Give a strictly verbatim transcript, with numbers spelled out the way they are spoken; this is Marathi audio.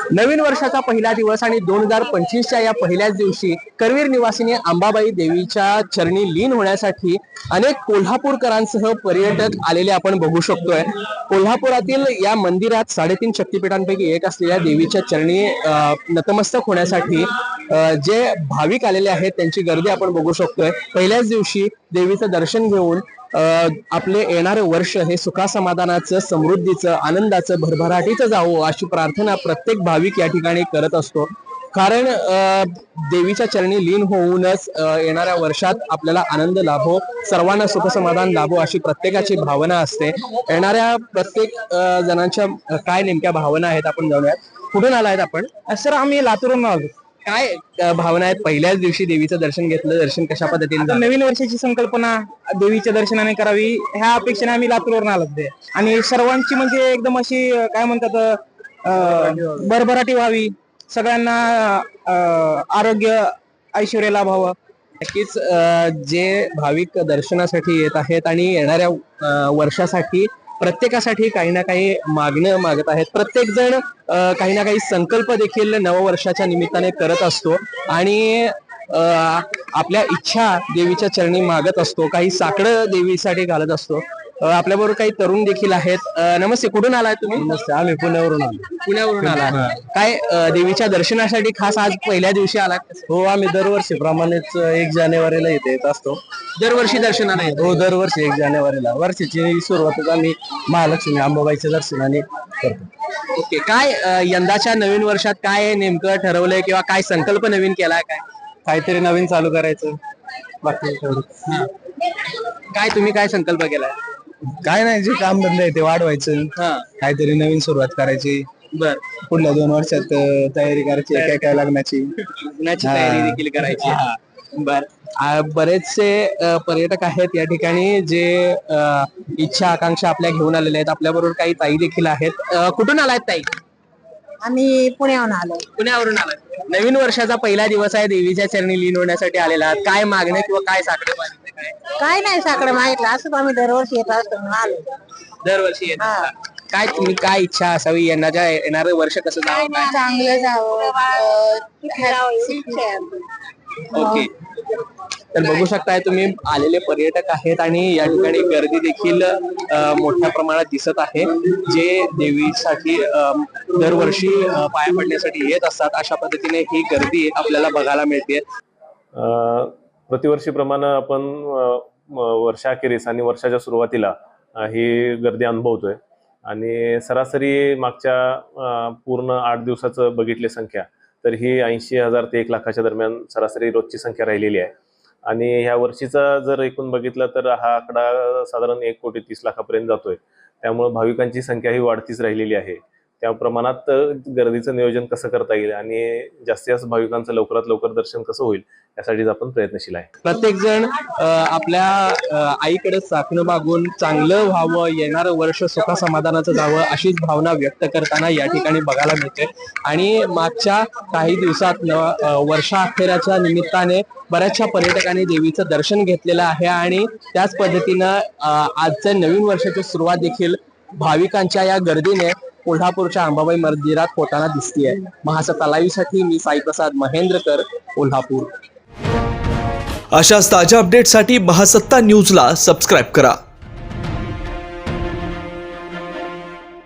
नवीन वर्षाचा पहिला दिवस आणि दोन हजार पंचवीसच्या या पहिल्याच दिवशी करवीर निवासिनी अंबाबाई देवीच्या चरणी लीन होण्यासाठी अनेक कोल्हापूरकरांसह पर्यटक आलेले आपण बघू शकतोय। कोल्हापुरातील या मंदिरात साडेतीन शक्तिपीठांपैकी एक असलेल्या देवीच्या चरणी नतमस्तक होण्यासाठी जे भाविक आलेले आहेत त्यांची गर्दी आपण बघू शकतोय। पहिल्याच दिवशी देवीचं दर्शन घेऊन आपले येणारे वर्ष हे सुखासमाधानाचं, समृद्धीचं, आनंदाचं, भरभराटीचं जावो अशी प्रार्थना प्रत्येक भाविक या ठिकाणी करत असतो। कारण देवीच्या चरणी लीन होऊनच येणाऱ्या वर्षात आपल्याला आनंद लाभो, सर्वांना सुखसमाधान लाभो अशी प्रत्येकाची भावना असते। येणाऱ्या प्रत्येक जणांच्या काय नेमक्या भावना आहेत आपण जाणूयात। कुठून आलायत आपण? सर आम्ही लातूरून आलो। काय भावना आहेत? पहिल्याच दिवशी देवीचं दर्शन घेतलं, दर्शन कशा पद्धतीने? नवीन वर्षाची संकल्पना देवीच्या दर्शनाने करावी ह्या अपेक्षेने आम्ही लातूरवरून आलो ते। आणि सर्वांची म्हणजे एकदम अशी काय म्हणतात भरभराटी व्हावी, सगळ्यांना आरोग्य ऐश्वर्य लाभावं। नक्कीच जे भाविक दर्शनासाठी येत आहेत आणि येणाऱ्या वर्षासाठी प्रत्येकासाठी काही ना काही मागणं मागत आहेत। प्रत्येक जण काही ना काही संकल्प देखील नववर्षाच्या निमित्ताने करत असतो आणि आपल्या इच्छा देवीच्या चरणी मागत असतो, काही साकडं देवीसाठी घालत असतो। आपल्या बरोबर काही तरुण देखील आहेत। नमस्ते, कुठून आलाय तुम्ही? नमस्ते, आम्ही पुण्यावरून आलो। पुण्यावरून आला काय? देवीच्या दर्शनासाठी खास आज पहिल्या दिवशी आला? हो, आम्ही दरवर्षी प्रमाणेच एक जानेवारीला इथे येत असतो। दरवर्षी दर्शनाला येतो? हो, दरवर्षी एक जानेवारीला। वर्षाची सुरुवातच आम्ही महालक्ष्मी अंबाबाईच्या दर्शनाने करतो। ओके, काय यंदाच्या नवीन वर्षात काय नेमकं ठरवलंय किंवा काय संकल्प नवीन केलाय? काय काहीतरी नवीन चालू करायचं, बाकी काय तुम्ही काय संकल्प केलाय? काय नाही, जे काम धंदे आहे ते वाढवायचं, काहीतरी नवीन सुरुवात करायची। बर, पुढल्या दोन वर्षात तयारी करायची, काय काय लग्नाची लग्नाची तयारी देखील करायची। बर, बरेचसे पर्यटक आहेत या ठिकाणी जे इच्छा आकांक्षा आपल्या घेऊन आलेले आहेत। आपल्या बरोबर काही ताई देखील आहेत। कुठून आलायत ताई? आम्ही पुण्यावरून आलो। पुण्यावरून आलाय। नवीन वर्षाचा पहिला दिवस आहे, देवीच्या चरणी लीन होण्यासाठी आलेला आहात। काय मागणे किंवा काय साकडे मागितले? काय काय नाही साकडं मागितलं, असंच आम्ही दरवर्षी येत असतो म्हणून आलो। दरवर्षी येत असता। काय तुम्ही काय इच्छा असावी यंदाच्या येणारं वर्ष कसं जावं? काय चांगलं जावं। ओके, तर बघू शकताय तुम्ही आलेले पर्यटक आहेत आणि या ठिकाणी गर्दी देखील मोठ्या प्रमाणात दिसत आहे। जे देवीसाठी दरवर्षी पाया पडण्यासाठी येत असतात अशा पद्धतीने ही गर्दी आपल्याला बघायला मिळते। प्रतिवर्षीप्रमाणे आपण वर्षाखेरीस आणि वर्षाच्या सुरुवातीला ही गर्दी अनुभवतोय आणि सरासरी मागच्या पूर्ण आठ दिवसाचं बघितली संख्या तर ही ऐंशी हजार ते एक लाखाच्या दरम्यान सरासरी रोजची संख्या राहिलेली आहे। आणि ह्या वर्षीचा जर एकूण बघितलं तर हा आकडा साधारण एक कोटी तीस लाखापर्यंत जातोय। त्यामुळे भाविकांची संख्या ही वाढतीच राहिलेली आहे। त्या प्रमाणात गर्दीचं नियोजन कसं करता येईल आणि जास्तीत जास्त भाविकांचं लवकरात लवकर दर्शन कसं होईल यासाठीच आपण प्रयत्नशील आहे। प्रत्येक जण आपल्या आईकडे चाकणं मागून चांगलं व्हावं, येणारं वर्ष सुखा समाधानाचं जावं अशीच भावना व्यक्त करताना या ठिकाणी बघायला मिळते। आणि मागच्या काही दिवसात वर्षा अखेराच्या निमित्ताने बऱ्याचशा पर्यटकांनी देवीचं दर्शन घेतलेलं आहे आणि त्याच पद्धतीनं आजच्या नवीन वर्षाची सुरुवात देखील भाविकांच्या या गर्दीने कोल्हापूरच्या अंबाबाई मंदिरात होताना दिसतीये। महासत्ता लाईव्ह साठी मी साई प्रसाद महेंद्रकर, कोल्हापूर। अशाच ताज्या अपडेटसाठी महासत्ता न्यूजला सबस्क्राईब करा।